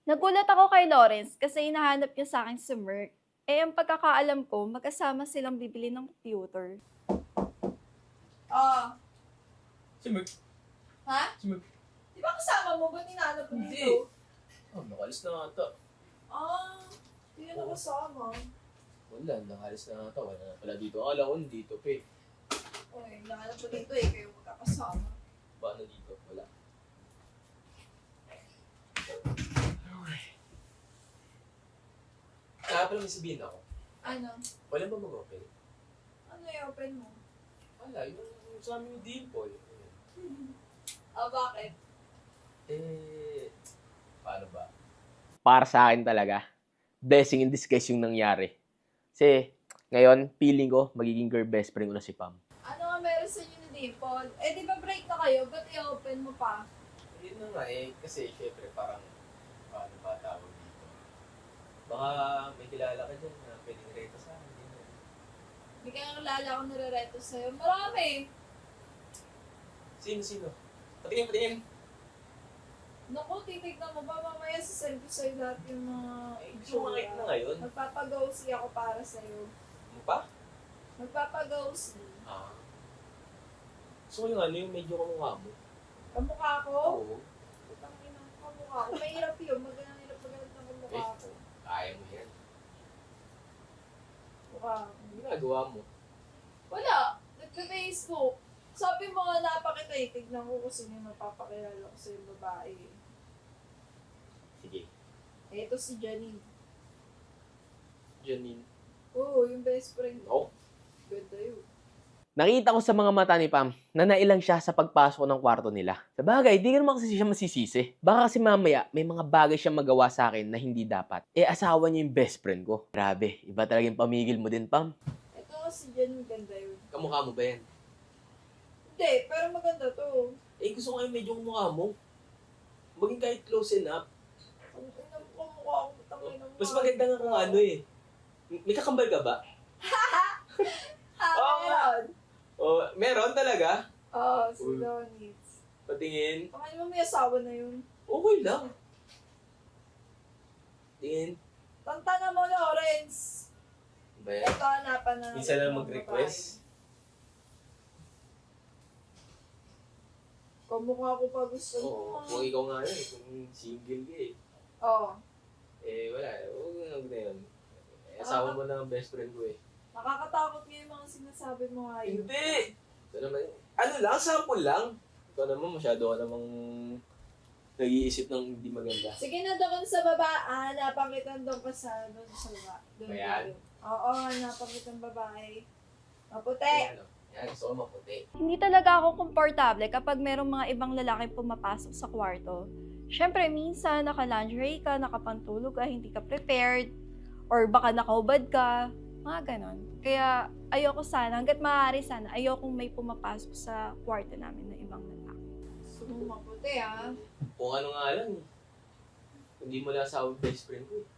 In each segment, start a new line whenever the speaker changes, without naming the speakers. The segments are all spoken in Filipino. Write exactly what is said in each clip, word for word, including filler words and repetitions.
Nagulat ako kay Lawrence kasi hinahanap niya sa akin si Merc. Eh, ang pagkakaalam ko, magkasama silang bibili ng computer.
Ah,
Si Merc.
ha?
Si Merc.
Di ba kasama mo? Ba't hinahanap mo
Hindi.
dito?
Oh, nakalis na nga ata.
Ah, hindi ka na kasama.
Wala, nakalis na nga ata. Wala na pala dito. Akala ko dito, pe.
Uy, hinahanap mo dito eh, kayo magkakasama.
Paano dito? Wala. Kaya pala may sabihin ako.
Ano?
Wala ba mag-open?
Ano i-open mo?
Wala, yung, yung sa amin yung Dimple.
Ah, bakit?
Eh, paano ba?
Para sa akin talaga, blessing in disguise yung nangyari. Kasi, ngayon, feeling ko, magiging girl best friend ko na si Pam.
Ano nga meron sa inyo ni Dimple? Eh, di ba break na kayo? Ba't i-open mo pa?
Yun na nga eh, kasi syempre parang, paano ba tawag dito? Baka may kilala ka dyan na pwedeng reto sa akin. Ganyan.
Hindi kaya nalala akong nare-reto sa'yo. Marami!
Sino, sino? Patingin, patingin.
Naku, titignan mo ba? Mamaya sasend ko sa'yo lahat yung mga
Gusto mo makita na ngayon?
Magpapag-ghosty ako para sa'yo.
Ano pa?
Magpapag-ghosty.
Ah. Gusto ko yung ano, yung medyo kamukha mo.
Kamukha ko?
Oo.
Putang ina, kamukha ko. Mahirap yun. Magandang hirap magalit ng kamukha
Eh.
ko.
Kaya mo yan.
Mukha ko.
Ang ginagawa mo.
Wala. Nagpa-Facebook. Sabi mo nga napakita eh. Tignan ko kung sino yung napapakilala ko sa yung babae.
Sige.
Eh, ito si Janine.
Janine.
Oo, yung best friend ko.
No?
Ganda yun.
Nakita ko sa mga mata ni Pam na nailang siya sa pagpasok ng kwarto nila. Sa bagay, di ka naman kasi siya masisisi. Baka kasi mamaya may mga bagay siya magawa sa akin na hindi dapat. Eh, asawa niya yung best friend ko. Grabe, iba talaga yung pamigil mo din, Pam.
Ito si Janine, ganda yun.
Kamukha mo ba yan?
Hindi, pero maganda to.
Eh, gusto ko yung medyo kamukha mo. Maging kahit close enough.
Ang ina mo kamukha ko. Tangin mo.
Mas maganda nga kung ano eh. May kakambal ka ba?
Ah,
Oo nga.
meron.
Oh, meron talaga?
Oo, si
Uy.
Donitz.
Patingin.
Tangin mo may asawa na yun.
Okay lang. Tingin.
Tantana mo, Lawrence.
Ba yan?
Ito, hanapan na.
Minsan lang
ng
mag-request.
babae. Kamukha ko pa gusto mo.
Oo. Kung ikaw nga yun, kung single ka eh.
Oo.
Eh, wala. Huwag na na yun. Eh, asawa mo na ang best friend ko eh.
Nakakatakot nga yung mga sinasabi mo ngayon.
Hindi! Ito naman, ano lang, sample lang. Ikaw naman, masyado ka namang nag-iisip ng hindi maganda.
Sige na doon sa baba. Ah, hanapan kita doon pa sa doon sa baba. Doon,
Ayan.
doon. Oo, hanapan kitang babae. Maputi.
Ayan, oh. Yan, gusto ko maputi.
Hindi talaga ako komportable kapag merong mga ibang lalaki pumapasok sa kwarto. Siyempre, minsan naka-lingerie ka, nakapantulog ka, hindi ka prepared, or baka nakaubad ka, mga ganon. Kaya ayoko sana, hanggat maaari sana, ayokong may pumapasok sa kwarto namin na ibang lalaki.
Gusto mo maputi, ha?
Kung ano nga lang eh. Hindi mo lang asawa yung best friend ko eh.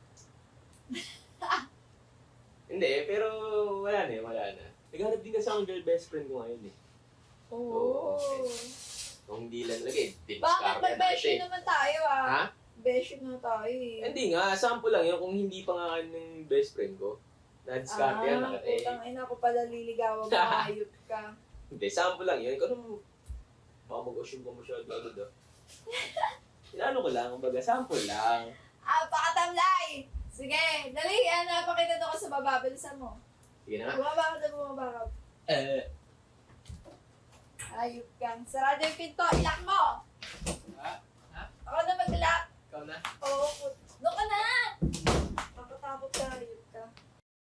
Hindi, pero wala na eh, wala na. Naghanap din kasi akong girl best friend ko ngayon eh.
Oo.
Okay. Kung hindi lang lagi,
Bakit
diniscard
may beshi naman tayo, ah?
Ha?
Beshi na tayo, eh.
Hindi nga, sample lang yun kung hindi pa nga ng best friend ko. Na-discard yan.
Ah,
naka- eh,
putang ina ko pala liligawan mo, ayot ka.
Hindi, sample lang yun. Ikaw naman, baka mag-assume ka masyado agad ah. Inano ko lang, kumbaga, sample lang.
Ah, pakatamlay! Sige, dali, hanapan kita doon ka sa baba. Bilisan mo.
Sige na nga.
Bumaba ka na, bumaba ka.
Eh,
Ayot kang. Sarado yung pinto, ilak mo!